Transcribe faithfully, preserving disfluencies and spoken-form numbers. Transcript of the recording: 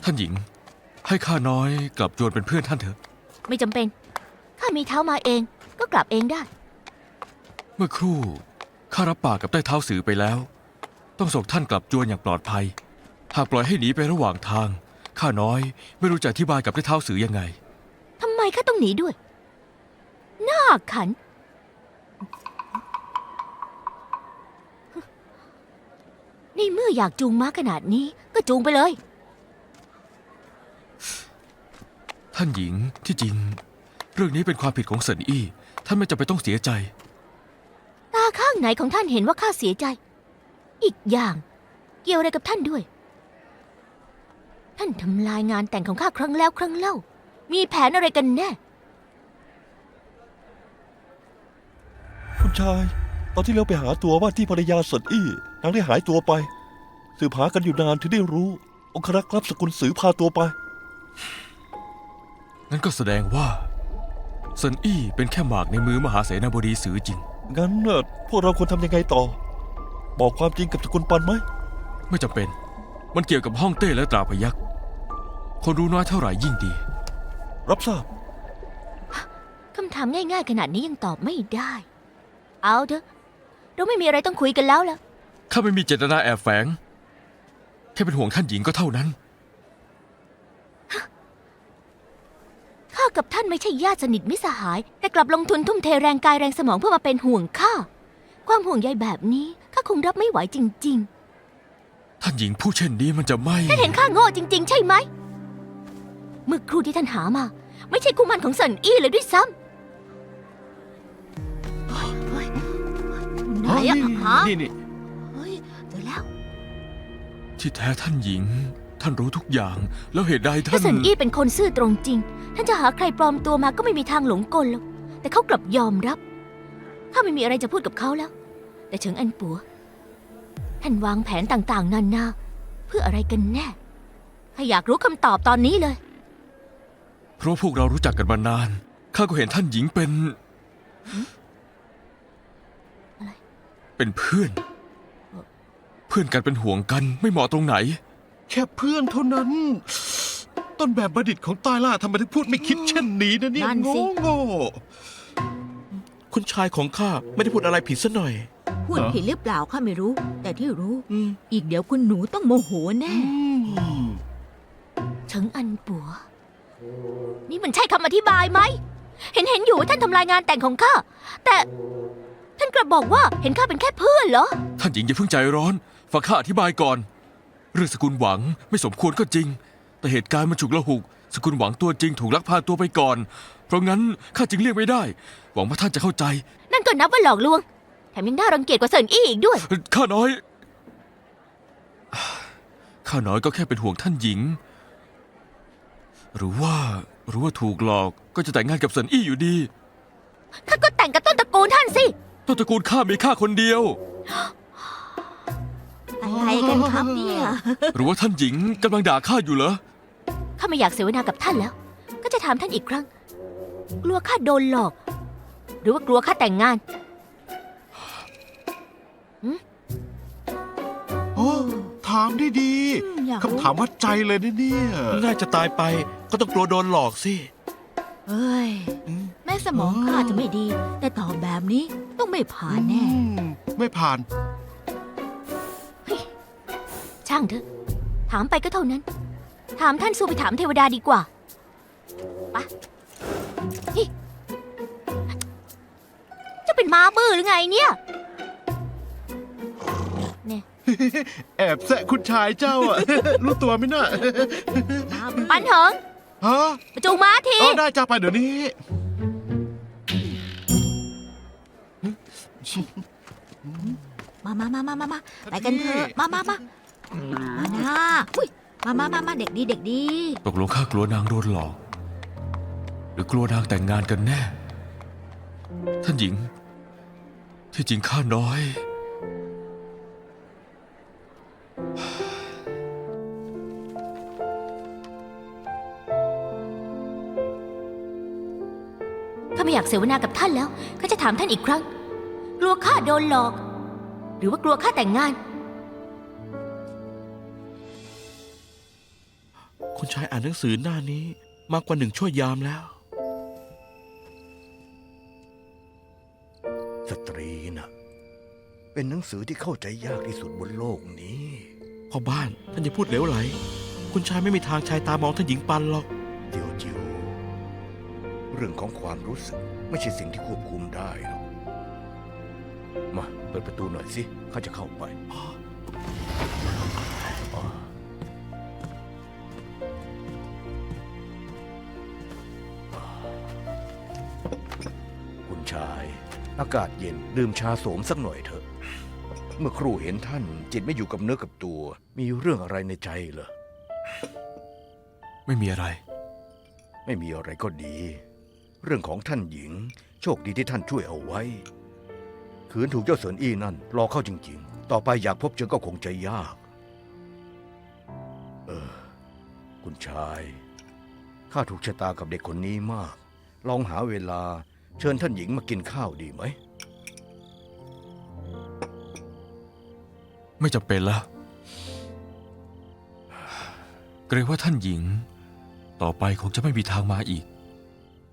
านหญิงให้ข้าน้อยกลับจวนเป็นเพื่อนท่านเถอะไม่จำเป็นข้ามีเท้ามาเองก็กลับเองได้เมื่อครู่ข้ารับปากกับใต้เท้าสือไปแล้วต้องส่งท่านกลับจวนอย่างปลอดภัยหากปล่อยให้หนีไประหว่างทางข้าน้อยไม่รู้จะอธิบายกับใต้เท้าสือยังไงทำไมข้าต้องหนีด้วยน่าขันนี่เมื่ออยากจูงม้าขนาดนี้ก็จูงไปเลยท่านหญิงที่จริงเรื่องนี้เป็นความผิดของเซินอี้ท่านไม่จำเป็นต้องเสียใจตาข้างไหนของท่านเห็นว่าข้าเสียใจอีกอย่างเกี่ยวอะไรกับท่านด้วยท่านทำลายงานแต่งของข้าครั้งแล้วครั้งเล่ามีแผนอะไรกันแน่คุณชายตอนที่เราไปหาตัวว่าที่ภรรยาเซินอี้นางได้หายตัวไปสืบหากันอยู่นานถึงได้รู้องครักษ์รับสกุลสือพาตัวไปงั้นก็แสดงว่าเซินอี้เป็นแค่หมากในมือมหาเสนาบดีสือจริงงั้นเน่ะพวกเราควรทำยังไงต่อบอกความจริงกับสกุลปันไหมไม่จำเป็นมันเกี่ยวกับฮ่องเต้และตราพยัคฆ์คนรู้น้อยเท่าไหร่ยิ่งดีรับทราบคำถามง่ายๆขนาดนี้ยังตอบไม่ได้เอาเถอะเราไม่มีอะไรต้องคุยกันแล้วล่ะข้าไม่มีเจตนาแอบแฝงแค่เป็นห่วงท่านหญิงก็เท่านั้นข้ากับท่านไม่ใช่ญาติสนิทมิตรสหายแต่กลับลงทุนทุ่มเทแรงกายแรงสมองเพื่อมาเป็นห่วงข้าความห่วงใยแบบนี้ข้าคงรับไม่ไหวจริงๆท่านหญิงผู้เช่นนี้มันจะไม่ท่านเห็นข้าโง่จริงๆใช่ไหมเมื่อครู่ที่ท่านหามาไม่ใช่คู่มันของเซินอี้เลยด้วยซ้ำไหนอะหานี่นี่เฮ้ยเจอแล้วที่แท้ท่านหญิงท่านรู้ทุกอย่างแล้วเหตุใดท่านถ้าเซินอี้เป็นคนซื่อตรงจริงท่านจะหาใครปลอมตัวมาก็ไม่มีทางหลงกลหรอกแต่เขากลับยอมรับข้าไม่มีอะไรจะพูดกับเขาแล้วแต่เฉิงอันปัวท่านวางแผนต่างๆนานาเพื่ออะไรกันแน่ข้าอยากรู้คำตอบตอนนี้เลยเพราะพวกเรารู้จักกันมานานข้าก็เห็นท่านหญิงเป็นอะไรเป็นเพื่อนเพื่อนกันเป็นห่วงกันไม่เหมาะตรงไหนแค่เพื่อนเท่านั้นต้นแบบบัณฑิตของใต้ล่าทำไมถึงพูดไม่คิดเช่นนี้นะเนี่ยโง่โง่คุณชายของข้าไม่ได้พูดอะไรผิดซะหน่อยพูดผิดหรือเปล่าข้าไม่รู้ แต่ที่รู้อีกเดี๋ยวคุณหนูต้องโมโหแน่เฉิงอันปัวนี่มันใช่คำอธิบายไหมเห็นเห็นอยู่ว่าท่านทำลายงานแต่งของข้าแต่ท่านกลับบอกว่าเห็นข้าเป็นแค่เพื่อนเหรอท่านหญิงอย่าเพิ่งใจร้อนฟังข้าอธิบายก่อนเรื่องสกุลหวังไม่สมควรก็จริงแต่เหตุการณ์มันฉุกละหุกสกุลหวังตัวจริงถูกลักพาตัวไปก่อนเพราะงั้นข้าจึงเลี่ยงไม่ได้หวังว่าท่านจะเข้าใจนั่นก็นับว่าหลอกลวงแถมยังน่ารังเกียจกว่าเซินอี้อีกด้วยข้าน้อยข้าน้อยก็แค่เป็นห่วงท่านหญิงหรือว่าหรือว่าถูกหลอกก็จะแต่งงานกับเซินอี้อยู่ดีข้าก็แต่งกับต้นตระกูลท่านสิต้นตระกูลข้ามีข้าคนเดียวอะไรกันครับเนี่ยหรือว่าท่านหญิงกำลังด่าข้าอยู่เหรอข้าไม่อยากเสวนากับท่านแล้วก็จะถามท่านอีกครั้งกลัวข้าโดนหลอกหรือว่ากลัวข้าแต่งงานโอ้ถามได้ดีคำถามวัดใจเลยนะเนี่ยน่าจะตายไปก็ต้องกลัวโดนหลอกสิเฮ้ยแม่สมองข้าจะไม่ดีแต่ตอบแบบนี้ต้องไม่ผ่านแน่ไม่ผ่านช่างเถอะถามไปก็เท่านั้นถามท่านสู้ไปถามเทวดาดีกว่าปะจะเป็นม้าบื้อหรือไงเนี่ยเนี่ยแอบแซะคุณชายเจ้าอ่ะรู้ตัวไหมน่ะปันเถิงฮะจูงม้าทีอ๋อได้จ้าไปเดี๋ยวนี้มามามามามามาไปกันเถอะมามามามานะอุ้ยมามามามาเด็กดีเด็กดีตกลงข้ากลัวนางโดนหลอกหรือกลัวนางแต่งงานกันแน่ท่านหญิงที่จริงข้าน้อยข้าไม่อยากเสวนากับท่านแล้วข้าจะถามท่านอีกครั้งกลัวข้าโดนหลอกหรือว่ากลัวข้าแต่งงานคุณชายอ่านหนังสือหน้านี้ มากกว่าหนึ่งชั่วยามแล้วสตรีน่ะ เป็นหนังสือที่เข้าใจยากที่สุดบนโลกนี้พ่อบ้านท่านจะพูดเหลวไหล คุณชายไม่มีทางชายตามองท่านหญิงปันหรอกเจียวจิวเรื่องของความรู้สึกไม่ใช่สิ่งที่ควบคุมได้หรอกมาเปิดประตูหน่อยสิข้าจะเข้าไปอ๋อคุณชาย อากาศเย็นดื่มชาโสมสักหน่อยเถอะ เมื่อครู่เห็นท่านจิตไม่อยู่กับเนื้อกับตัว มีเรื่องอะไรในใจเหรอไม่มีอะไรไม่มีอะไรก็ดี เรื่องของท่านหญิง โชคดีที่ท่านช่วยเอาไว้ ขืนถูกเจ้าเสินอี้นั่นรอเข้าจริงๆ ต่อไปอยากพบเจอก็คงจะยาก เออ คุณชาย ข้าถูกชะตากับเด็กคนนี้มาก ลองหาเวลาเชิญท่านหญิงมากินข้าวดีไหมไม่จำเป็นแล้ว เกรงว่าท่านหญิง ต่อไปคงจะไม่มีทางมาอีก